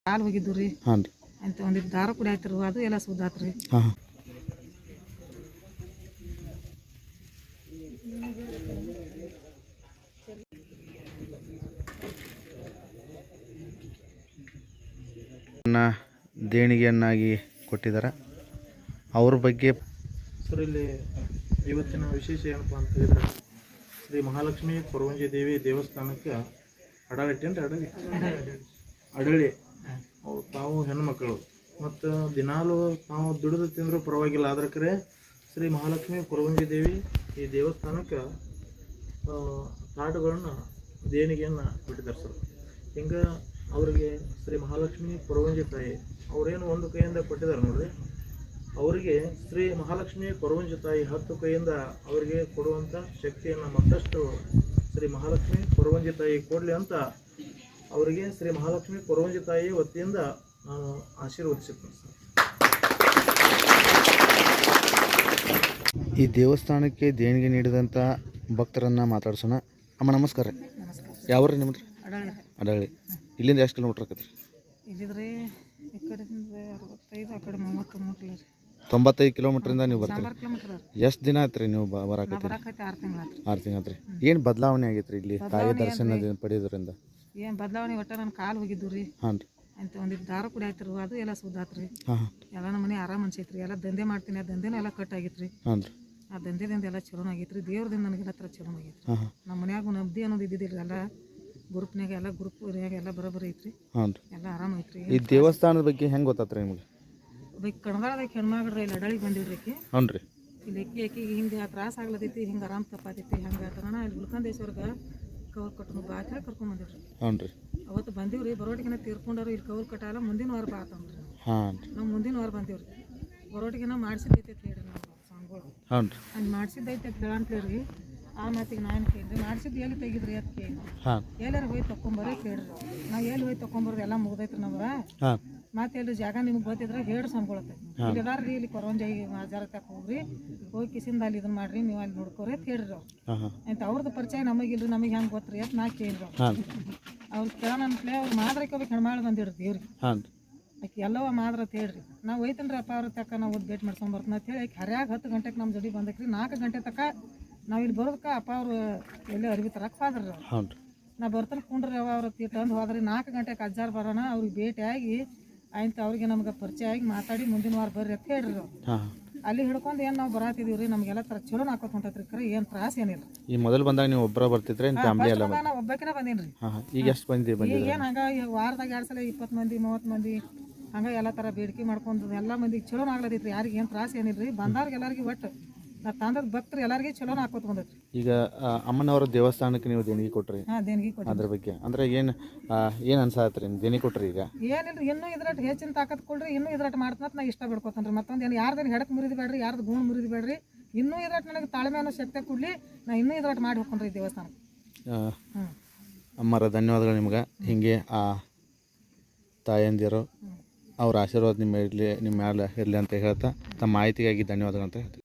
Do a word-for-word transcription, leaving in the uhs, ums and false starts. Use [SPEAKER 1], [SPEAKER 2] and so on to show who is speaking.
[SPEAKER 1] ಕಾಲು ಹೋಗಿದ್ದು ರೀ
[SPEAKER 2] ಹಾಂ ರೀ
[SPEAKER 1] ಅಂತ ಒಂದಿಟ್ಟು ದಾರ ಕುಡಿ ಆಯ್ತಿರು ಅದು ಎಲ್ಲ ಸುದ್ದಾತ್ರಿ.
[SPEAKER 2] ಹಾಂ ಹಾಂ ದೇಣಿಗೆಯನ್ನಾಗಿ ಕೊಟ್ಟಿದ್ದಾರೆ. ಅವ್ರ ಬಗ್ಗೆ
[SPEAKER 3] ಸರ್ ಇಲ್ಲಿ ಇವತ್ತಿನ ವಿಶೇಷ ಏನಪ್ಪ ಅಂತ ಹೇಳಿದ್ರೆ ಶ್ರೀ ಮಹಾಲಕ್ಷ್ಮಿ ಕೊರವಂಜಿ ದೇವಿ ದೇವಸ್ಥಾನಕ್ಕೆ ಅಡಳಿಟ್ಟೇನ್ರಿ ಅಡಳಿ ಅಡಳಿ ಅವ್ರು ತಾವು ಹೆಣ್ಮಕ್ಳು ಮತ್ತು ದಿನಾಲು ತಾವು ದುಡಿದು ತಿಂದರೂ ಪರವಾಗಿಲ್ಲ. ಆದ್ರೆ ಕರೆ ಶ್ರೀ ಮಹಾಲಕ್ಷ್ಮಿ ಕೊರವಂಜಿ ದೇವಿ ಈ ದೇವಸ್ಥಾನಕ್ಕೆ ತಾಟುಗಳನ್ನು ದೇಣಿಗೆಯನ್ನು ಕೊಟ್ಟಿದ್ದಾರೆ ಸರ್. ಹಿಂಗೆ ಅವರಿಗೆ ಶ್ರೀ ಮಹಾಲಕ್ಷ್ಮಿ ಕೊರವಂಜಿ ತಾಯಿ ಅವರೇನು ಒಂದು ಕೈಯಿಂದ ಕೊಟ್ಟಿದ್ದಾರೆ ನೋಡ್ರಿ, ಅವರಿಗೆ ಶ್ರೀ ಮಹಾಲಕ್ಷ್ಮಿ ಕೊರವಂಜಿ ತಾಯಿ ಹತ್ತು ಕೈಯಿಂದ ಅವರಿಗೆ ಕೊಡುವಂಥ ಶಕ್ತಿಯನ್ನು ಮತ್ತಷ್ಟು ಶ್ರೀ ಮಹಾಲಕ್ಷ್ಮಿ ಕೊರವಂಜಿ ತಾಯಿ ಕೊಡಲಿ ಅಂತ ಅವರಿಗೆ ಶ್ರೀ ಮಹಾಲಕ್ಷ್ಮಿ ಕೊರವಂಜಿ ತಾಯಿ ವತಿಯಿಂದ ನಾನು ಆಶೀರ್ವದಿಸುತ್ತೇನೆ ಸರ್.
[SPEAKER 2] ಈ ದೇವಸ್ಥಾನಕ್ಕೆ ದೇಣಿಗೆ ನೀಡಿದಂಥ ಭಕ್ತರನ್ನು ಮಾತಾಡ್ಸೋಣ. ಅಮ್ಮ ನಮಸ್ಕಾರ ರೀ. ಯಾವ ರೀ ನಿಮ್ದು?
[SPEAKER 1] ಅಡಳಿ
[SPEAKER 2] ಅಡಳಿ. ಇಲ್ಲಿಂದ ಎಷ್ಟು ಕಿಲೋಮೀಟ್ರ್ ಆಕತ್ರಿ?
[SPEAKER 1] ಇಲ್ಲಿದ್ರಿ ಈ ಕಡೆಯಿಂದ ಅರವತ್ತೈದು ಆ ಕಡೆ ಮೂವತ್ತು ಮೂವತ್ತು ರೀ
[SPEAKER 2] ತೊಂಬತ್ತೈದು ಕಿಲೋಮೀಟ್ರಿಂದ ನೀವು ಬರ್ತೀರಿ.
[SPEAKER 1] ಸಾಂಬಾರು ಕಿಲೋಮೀಟ್ರ್
[SPEAKER 2] ಎಷ್ಟು ದಿನ ಆಯ್ತು ರೀ ನೀವು ಬರಾಕತ್ತೀರಿ?
[SPEAKER 1] ಬರಾಕೈತಿ ಆರು ತಿಂಗಳು ಆತ್ರಿ.
[SPEAKER 2] ಆರು ತಿಂಗಳು ಆತ್ರಿ. ಏನು ಬದಲಾವಣೆ ಆಗೈತೆ ರೀ ಇಲ್ಲಿ ತಾಯಿ ದರ್ಶನ ಪಡೆಯೋದ್ರಿಂದ?
[SPEAKER 1] ಏನು ಬದಲಾವಣೆ ಒಟ್ಟ ನನ್ನ ಕಾಲು ಹೋಗಿದ್ದು ರೀ
[SPEAKER 2] ಹಾಂ ರೀ
[SPEAKER 1] ಅಂತ ಒಂದಿಟ್ಟು ದಾರ ಕುಡಿ ಆಯ್ತಿರು ಅದು ಎಲ್ಲ ಸುದ್ದಾತ್ರಿ.
[SPEAKER 2] ಹಾಂ ಹಾಂ
[SPEAKER 1] ಎಲ್ಲ ನಮ್ಮ ಮನೆ ಆರಾಮ್ ಅನ್ಸೈತ್ರಿ. ಎಲ್ಲ ದಂಧೆ ಮಾಡ್ತೀನಿ, ಆ ದಂಧೆನೂ ಎಲ್ಲ ಕಟ್ ಆಗಿತ್ರಿ.
[SPEAKER 2] ಹಾಂ ರೀ
[SPEAKER 1] ಆ ದಂಧೆದಿಂದ ಎಲ್ಲ ಚಲೋ ಆಗೈತ್ರಿ. ದೇವ್ರದಿಂದ ನನಗೆಲ್ಲ ಥರ ಚಲೋ ಆಗೈತ್ರಿ.
[SPEAKER 2] ಹಾಂ ಹಾಂ
[SPEAKER 1] ನಮ್ಮ ಮನ್ಯಾಗ ನಬ್ದಿ ಅನ್ನೋದು ಇದ್ದಿದ್ದಿಲ್ಲ. ಎಲ್ಲ ಗ್ರೂಪ್ನಾಗ ಎಲ್ಲ ಗ್ರೂಪ್ನಾಗ ಎಲ್ಲ ಬರೋಬ್ಬರಿ ಐತ್ರಿ.
[SPEAKER 2] ಹಾಂ ರೀ.
[SPEAKER 1] ಎಲ್ಲ ಆರಾಮ ಐತ್ರಿ.
[SPEAKER 2] ಈ ದೇವಸ್ಥಾನದ ಬಗ್ಗೆ ಹೆಂಗೆ ಗೊತ್ತಾತ್ರಿ ನಿಮಗೆ?
[SPEAKER 1] ಬೈಕ್ ಕಣದಾಳದಾಗ ಹೆಣ್ಮಗ್ರಿ ಇಲ್ಲಿ ಅಡಳಿಗೆ ಬಂದಿಡ್ರಿ ಆಕಿ.
[SPEAKER 2] ಹ್ಞೂ ರೀ.
[SPEAKER 1] ಇಲ್ಲಿ ಅಕ್ಕಿ ಅಕ್ಕಿಗೆ ಹಿಂಗೆ ತ್ರಾಸ ಆಗ್ಲತೈತಿ, ಹಿಂಗೆ ಆರಾಮ್ ತಪ್ಪಾತೈತಿ, ಹಂಗೆ ಆತನ ಇಲ್ಲಿ ಗುಲ್ಕಂದೇಶ್ವರ್ಗೆ ಕವರ್ ಕಟ್ಟು ಬಾ ಅಂತ ಹೇಳಿ ಕರ್ಕೊಂಡ್ ಬಂದಿಡ್ರಿ.
[SPEAKER 2] ಹ್ಞೂ ರೀ.
[SPEAKER 3] ಅವತ್ತು ಬಂದೀವ್ರಿ ಬರೋಟಿಗೆನ ತೀರ್ಕೊಂಡವ್ರು ಇಲ್ಲಿ ಕೌಲ್ ಕಟ್ಟಾಲ ಮುಂದಿನ ವಾರ ಬಾ ಅಂತಂದ್ರಿ.
[SPEAKER 2] ಹಾಂ
[SPEAKER 3] ನಾವು ಮುಂದಿನ ವಾರ ಬಂದೀವ್ರಿ. ಬರೋಟಿಗೆನ ಮಾಡಿಸಿದ್ದೈತೆ ಹೇಳ್ರಿ ನಾವು ಸಾಂಗ್ಗಳು.
[SPEAKER 2] ಹಾಂ ರೀ.
[SPEAKER 3] ಹಂಗೆ ಮಾಡಿಸಿದ್ದೈತೆ ಕೇಳಂತೇಳ್ರಿ. ಆ ಮಾತಿಗೆ ನಾನು ಕೇಳಿದ್ರಿ ಮಾಡಿಸಿದ್ದು ಎಲ್ಲಿ ತೆಗಿದ್ರಿ ಅಂತ ಕೇಳಿ
[SPEAKER 2] ಹಾಂ
[SPEAKER 3] ಎಲ್ಲಾರು ಹೋಗಿ ತೊಗೊಂಬರೇ ಕೇಳ್ರಿ. ನಾವು ಎಲ್ಲಿ ಹೋಗಿ ತೊಗೊಂಬರೋದು ಎಲ್ಲ ಮುಗ್ದೈತ್ರಿ ನಮ್ಗೆ.
[SPEAKER 2] ಹಾಂ
[SPEAKER 3] ಮತ್ತೆ ಎಲ್ಲಿ ಜಾಗ ನಿಮ್ಗೆ ಗೊತ್ತಿದ್ರೆ ಹೇಳ್ರಿ ಸಂಗೊಳತ್ತೆ. ಇಲ್ಲಿ ಎಲ್ಲಾರ್ರಿ ಇಲ್ಲಿ ಕೊರವಂಜಾಯಿ ಮಾಜಾರ ತಕ್ಕ ಹೋಗ್ರಿ, ಹೋಗಿ ಕಿಸಿಂದ ಅಲ್ಲಿ ಇದನ್ನ ಮಾಡ್ರಿ, ನೀವು ಅಲ್ಲಿ ನೋಡ್ಕೋರಿ ಅಂತ ಹೇಳ್ರಿ ಅವ್ರು.
[SPEAKER 2] ಹಾಂ ಹಾಂ
[SPEAKER 3] ಅಂತ ಅವ್ರದ್ದು ಪರಿಚಯ ನಮಗಿಲ್ರಿ, ನಮಗೆ ಹೆಂಗೆ ಗೊತ್ತ್ರಿ ಅಂತ ನಾ ಕೇಳಿದ್ರು.
[SPEAKER 2] ಹಾಂ
[SPEAKER 3] ಅವ್ರು ಕೇಳೋಣ ಅಂತಲೇ ಅವ್ರು ಮಾದ್ರಕ್ಕೆ ಹೋಗ್ಬೇಕು ಹೆಣ್ಮಾಳು ಬಂದಿಡ್ರಿ ದೇವ್ರಿಗೆ.
[SPEAKER 2] ಹಾಂ
[SPEAKER 3] ಆಕೆ ಎಲ್ಲವ ಮಾದ್ರ ಅಂತ ಹೇಳ್ರಿ. ನಾವು ಒಯ್ತನ್ರಿ ಅಪ್ಪ ಅವ್ರ ತಕ್ಕ ನಾವು ಓದ್ ಭೇಟಿ ಮಾಡ್ಸ್ಕೊಂಡ್ ಬರ್ತೀನಿ ಅಂತ ಹೇಳಿ ಆಕೆ ಹರ್ಯಾಗ ಹತ್ತು ಗಂಟೆಗೆ ನಮ್ಮ ಜೋಡಿ ಬಂದಕ್ರಿ. ನಾಲ್ಕು ಗಂಟೆ ತಕ್ಕ ನಾವು ಇಲ್ಲಿ ಬರೋದಕ್ಕೆ ಅಪ್ಪ ಅವರು ಎಲ್ಲಿ ಅರಿವಿ ತರಕ್ಕೆ ಹೋದ್ರಿ ಅವ್ರು.
[SPEAKER 2] ಹಾಂ
[SPEAKER 3] ನಾ ಬರ್ತಾನೆ ಕುಂಡ್ರಿ ಅವ ಅವ್ರ ತಿಟ್ಟಂದು ಹೋದ್ರಿ. ನಾಲ್ಕು ಗಂಟೆಗೆ ಅಜ್ಜಾರ ಬರೋಣ ಅವ್ರಿಗೆ ಭೇಟಿಯಾಗಿ ಆಯ್ತು ಅವ್ರಿಗೆ ನಮ್ಗೆ ಪರಿಚಯ ಆಗಿ ಮಾತಾಡಿ ಮುಂದಿನ ವಾರ ಬರ್ರಿ ಅಂತ ಹೇಳ್ರಿ ಅವ್ರು.
[SPEAKER 2] ಹಾಂ
[SPEAKER 3] ಅಲ್ಲಿ ಹಿಡ್ಕೊಂಡು ಏನು ನಾವು ಬರಾತಿದೀವಿ ರೀ. ನಮಗೆಲ್ಲ ಥರ ಚಲೋ ಹಾಕೋತ ಹೊಂಟೈತ್ರಿ. ಖರೆ ಏನು ತ್ರಾಸ ಏನಿಲ್ಲ.
[SPEAKER 2] ಈ ಮೊದಲು ಬಂದಾಗ ನೀವು ಒಬ್ಬರ ಬರ್ತಿದ್ರೆ ಫ್ಯಾಮಿಲಿ ಎಲ್ಲ?
[SPEAKER 3] ನಾನು ಒಬ್ಬಾಕಿನ ಬಂದೀನಿ ರೀ.
[SPEAKER 2] ಹಾಂ ಹಾಂ ಈಗ ಎಷ್ಟು ಬಂದಿ ಬಂದಿ?
[SPEAKER 3] ಈಗ ಏನು ಹಂಗೆ ವಾರದಾಗ ಎರಡು ಸಲ ಇಪ್ಪತ್ತು ಮಂದಿ ಮೂವತ್ತು ಮಂದಿ ಹಂಗೆ ಎಲ್ಲ ಥರ ಬೇಡಿಕೆ ಮಾಡ್ಕೊಂಡು ಎಲ್ಲ ಮಂದಿಗೆ ಚಲೋ ಆಗ್ಲತ್ತೈತ್ರಿ. ಯಾರಿಗೆ ಏನು ತ್ರಾಸ ಏನಿಲ್ಲ ರೀ. ಬಂದವ್ರಿಗೆ ಎಲ್ಲರಿಗೆ ಒಟ್ಟು ನಾ ತಂದದ ಭಕ್ತರು ಎಲ್ಲರಿಗೆ ಚಲೋ ಹಾಕೋತ ಬಂದೈತ್ರಿ.
[SPEAKER 2] ಈಗ ಅಮ್ಮನವರ ದೇವಸ್ಥಾನಕ್ಕೆ ನೀವು ದೇಣಿಗೆ ಕೊಟ್ರಿ,
[SPEAKER 3] ಹಾಂ ದೇಣಿಗೆ ಕೊಟ್ಟು
[SPEAKER 2] ಅದ್ರ ಬಗ್ಗೆ ಅಂದ್ರೆ ಏನು ಏನು ಅನ್ಸಾತ್ರಿ ದೇಣಿಗೆ ಕೊಟ್ರಿ? ಈಗ
[SPEAKER 3] ಏನಿಲ್ಲ ಇನ್ನೂ ಇದ್ರಟ್ಟು ಹೆಚ್ಚಿನ ತಾಕತ್ ಕೊಡ್ರಿ, ಇನ್ನೂ ಇದ್ರಟ್ಟು ಮಾಡ್ತಾನಂತ ನಾ ಇಷ್ಟ ಬಿಡ್ಕೊತಾನೆ ರೀ. ಮತ್ತೊಂದು ಏನು ಯಾರ್ದೇನು ಹೆಡಕ್ಕೆ ಮುರಿದು ಬೇಡ್ರಿ, ಯಾರ್ದು ಗುಣ ಮುರಿದು ಬೇಡ್ರಿ. ಇನ್ನೂ ಇದ್ರಟ್ಟು ನನಗೆ ತಾಳ್ಮೆ ಅನ್ನೋ ಶಕ್ತಿ ಕೊಡಲಿ, ನಾ ಇನ್ನೂ ಇದ್ರಟ್ಟು ಮಾಡಿ ಹೋಗ್ಕೊಂಡ್ರಿ ಈ ದೇವಸ್ಥಾನಕ್ಕೆ. ಹ್ಞೂ
[SPEAKER 2] ಅಮ್ಮರ ಧನ್ಯವಾದಗಳು ನಿಮ್ಗೆ. ಹೀಗೆ ಆ ತಾಯಂದಿರು ಅವ್ರ ಆಶೀರ್ವಾದ ನಿಮ್ಮ ಇರಲಿ, ನಿಮ್ಮ ಮ್ಯಾಲೆ ಇರಲಿ ಅಂತ ಹೇಳ್ತಾ ತಮ್ಮ ಮಾಹಿತಿಗಾಗಿ ಧನ್ಯವಾದಗಳು ಅಂತ ಹೇಳ್ತೀವಿ.